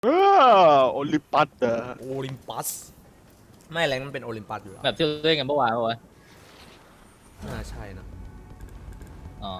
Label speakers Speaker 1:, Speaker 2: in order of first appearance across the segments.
Speaker 1: เอโอลิมปัสเหรอ
Speaker 2: โอลิมปัสไม่แรงมันเป็นโอลิมปัสอยู่แล้ว
Speaker 3: แบบที่เราเล่นกันเมื่อวานปะวะ
Speaker 2: น่าใช่นะ
Speaker 3: อ๋อ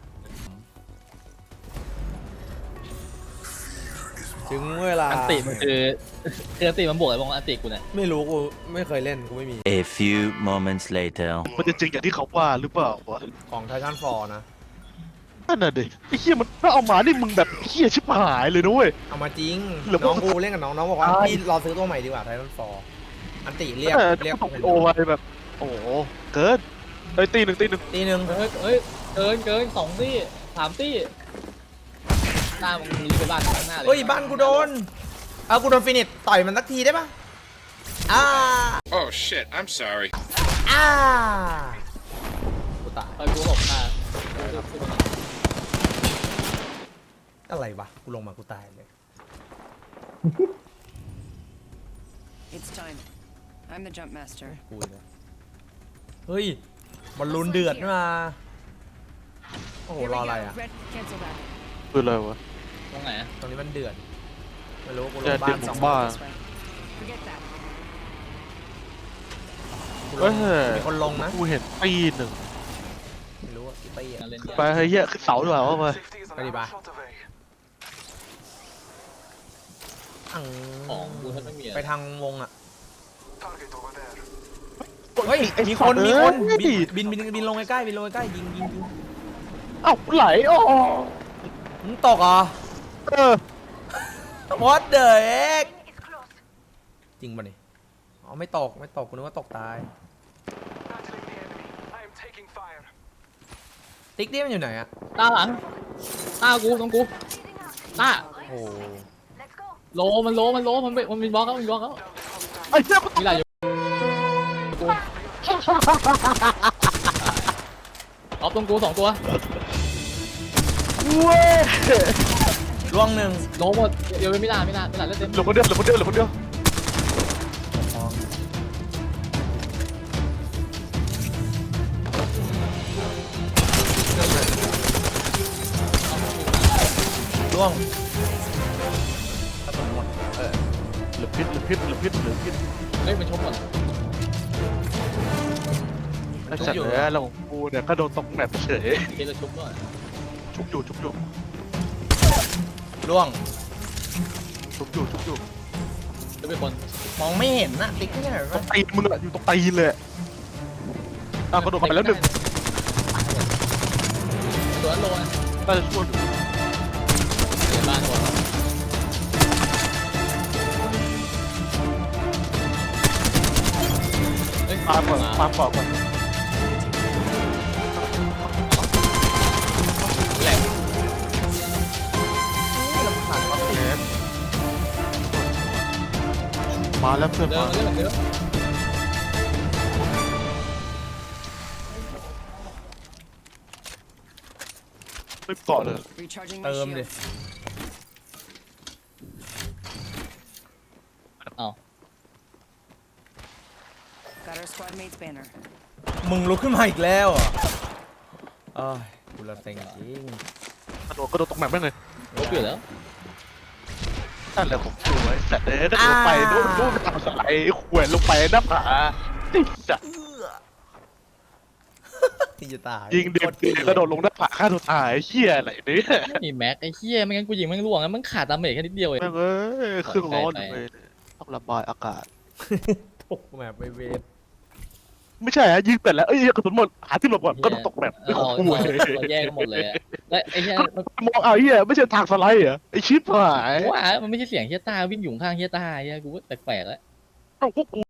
Speaker 2: ถึงเวลา
Speaker 3: อันติมันคืออันติมันบวกอะไรบ้างวะอันติกูเนี่ย
Speaker 2: ไม่รู้กูไม่เคยเล่นกูไม่มี
Speaker 4: A few moments later
Speaker 1: มันจะจริงอย่างที่เขาว่าหรือเปล่าวะ
Speaker 2: ของไททันฟอร์นะ
Speaker 1: นั่นน่ะดิไอ้เหี้ยมันถ้าเอามานี่มึงแบบเหี้ยชิบหายเลยนะเว้ย
Speaker 2: เอามาจริง
Speaker 1: หรือ
Speaker 2: น้อง
Speaker 1: ว่า
Speaker 2: กูเล่นกับน้องบอกว่า
Speaker 1: ใช่
Speaker 2: พี่รอซื้อตัวใหม่ดีกว่าไททันฟอร์อันติเรียก
Speaker 1: แต่
Speaker 2: เรียก
Speaker 1: ตกโอไว้แบบโอ้โหเกินไอ้ยตีหนึ่ง
Speaker 2: ตีหนึ่ง
Speaker 3: เฮ้ยเกิน2 ตี้ 3 ตี้หน้ามึงมีไปบ้านข้างหน้าเลย
Speaker 2: เฮ้ยบ้านกูโดนเอากูโดนฟินิชต่อยมันสักทีได้ปะอ้า
Speaker 5: Oh shit, I'm sorry.
Speaker 2: อ้ากูตาย
Speaker 3: ไปกูบอกหน้า
Speaker 2: อะไรวะกูลงมากูตายเลย
Speaker 6: It's time. I'm the jump master.
Speaker 2: กูเลยเฮ้ยบอลลูนเดือดนี่มาโอ้โห
Speaker 6: Here we
Speaker 2: รอ
Speaker 6: go.
Speaker 2: อะไรอ่ะ
Speaker 6: Red, cancel that.
Speaker 1: คืออะไรวะ
Speaker 3: ตรงไหนอะ
Speaker 2: ตรงนี้มันเดือดไม่รู้กูล
Speaker 1: เดือง ด
Speaker 2: บ้าน
Speaker 1: เดือด
Speaker 2: สอง
Speaker 1: บ้า
Speaker 6: This way. Forget that.
Speaker 2: กูล
Speaker 1: เฮ้
Speaker 2: ง
Speaker 1: ย
Speaker 2: มีคนลงนะ
Speaker 1: กูเห็นตีหนึ่ง
Speaker 2: ไม่รู้อะตีอะ
Speaker 3: เล่น
Speaker 1: ไปเฮ้ยเหี้ยขึ้นเสาดีกว่าว่าไป
Speaker 2: ไปดิปะอัง
Speaker 3: ของกูถ้าไม่มี
Speaker 2: ไปทางวงอ่ะ
Speaker 1: เฮ้ย
Speaker 2: มีคนบินลงใกล้ๆบินลงใกล้ๆยิง
Speaker 1: เอ้าไหลอ๋อ
Speaker 2: มึงตกเหรอ
Speaker 1: เออ
Speaker 2: What the heck จริงป่ะนี่อ๋อไม่ตกกูนึกว่าตกตายติ๊กนี่มันอยู่ไหนอะ
Speaker 3: ตาหลังตากูตรงกูตา
Speaker 2: โอ้
Speaker 3: โลมันมีบล็อกแล้ว
Speaker 1: ไอ้เหี้ย
Speaker 3: มีอะไรอยู่กูเอาตรงกู2 ตัว
Speaker 1: เว้ย
Speaker 2: ล่วงหนึ่ง
Speaker 3: โลหมดเดี๋ยวไม่ได้เล่นเต็ม
Speaker 1: เหลือคนเดียวเหลือคนเดียวเหลือคนเดียว
Speaker 2: ล่วง
Speaker 1: เหลือพิษ
Speaker 3: เฮ้ยมันชกหมด
Speaker 1: ไอ้สัตว์เนี่ยเราของกูเนี่ยก็โดนตกแมปเฉย
Speaker 3: เกลชุบด้วย
Speaker 1: ชุบอยู่
Speaker 2: ล่วง
Speaker 3: จะเป็นคน
Speaker 2: มองไม่เห็นนะติ๊กนี่ไหน
Speaker 1: ตร
Speaker 2: วะ
Speaker 1: งตีนมึงอะอยู่ตรงตีนเลยอ้าวกระโดดไปแล้วหนึ่ง
Speaker 3: ตัวโลนะ
Speaker 1: น่าจะช่วยอยู่
Speaker 3: เดี๋ยวบ้านก่อนเฮ้ย
Speaker 1: ตามก่อน
Speaker 3: แหลก
Speaker 2: ผ่านเขาติด
Speaker 1: มาแล้วเพื่อน
Speaker 3: เดิ
Speaker 1: มาน
Speaker 3: เรื่องเดิม
Speaker 1: ไม่เกาะเลย
Speaker 6: Recharging my
Speaker 2: เติมดิ
Speaker 6: shields.
Speaker 3: เอา
Speaker 6: Got our squad mate's banner.
Speaker 2: มึงลุกขึ้นมาอีกแล้วเหรอเอ้ยกูละเซ็งจริง
Speaker 1: กระโดดตกแมปไม่เลย
Speaker 3: ลบอยู่แล้ว
Speaker 1: นั่นแหละผมดูไอ้สัตว์เนี่ยถ้าลงไปนู่นทางสไลด์ขวนลงไปหน้าผาติดจัด
Speaker 2: ที่จะตาย
Speaker 1: ยิงเด็กกระโดดลงหน้าผาฆ่าตัวตายเหี้ยอะไรเนี่ย
Speaker 3: มีแม็กไอ้เหี้ยไม่งั้นกูยิงมันล่วงงั้นมันขาดดาเมจแค่นิดเดียวเอง
Speaker 1: แม่งเอ้ยเครื่องร้อนอยู่เลยต้องระบายอากาศ
Speaker 2: ตกแบบไปเวท
Speaker 1: ไม่ใช่ฮะยิงแต่แล้วเอ้ยกระสุนหมดหาที่หลบก่อนก็ต้องตกแบบ
Speaker 3: เราแยกกันหมดเลยและไอ้เหี้ย
Speaker 1: มองเอาเหี้ยไม่ใช่ทางสไลด์เหรอไอ้ชิปหาย
Speaker 3: ว่ามันไม่ใช่เสียงเฮียต้าวิ่งอยู่ข้างเฮียต้าเฮียกูแปลกๆแล้ว
Speaker 1: เอ้าพวกกู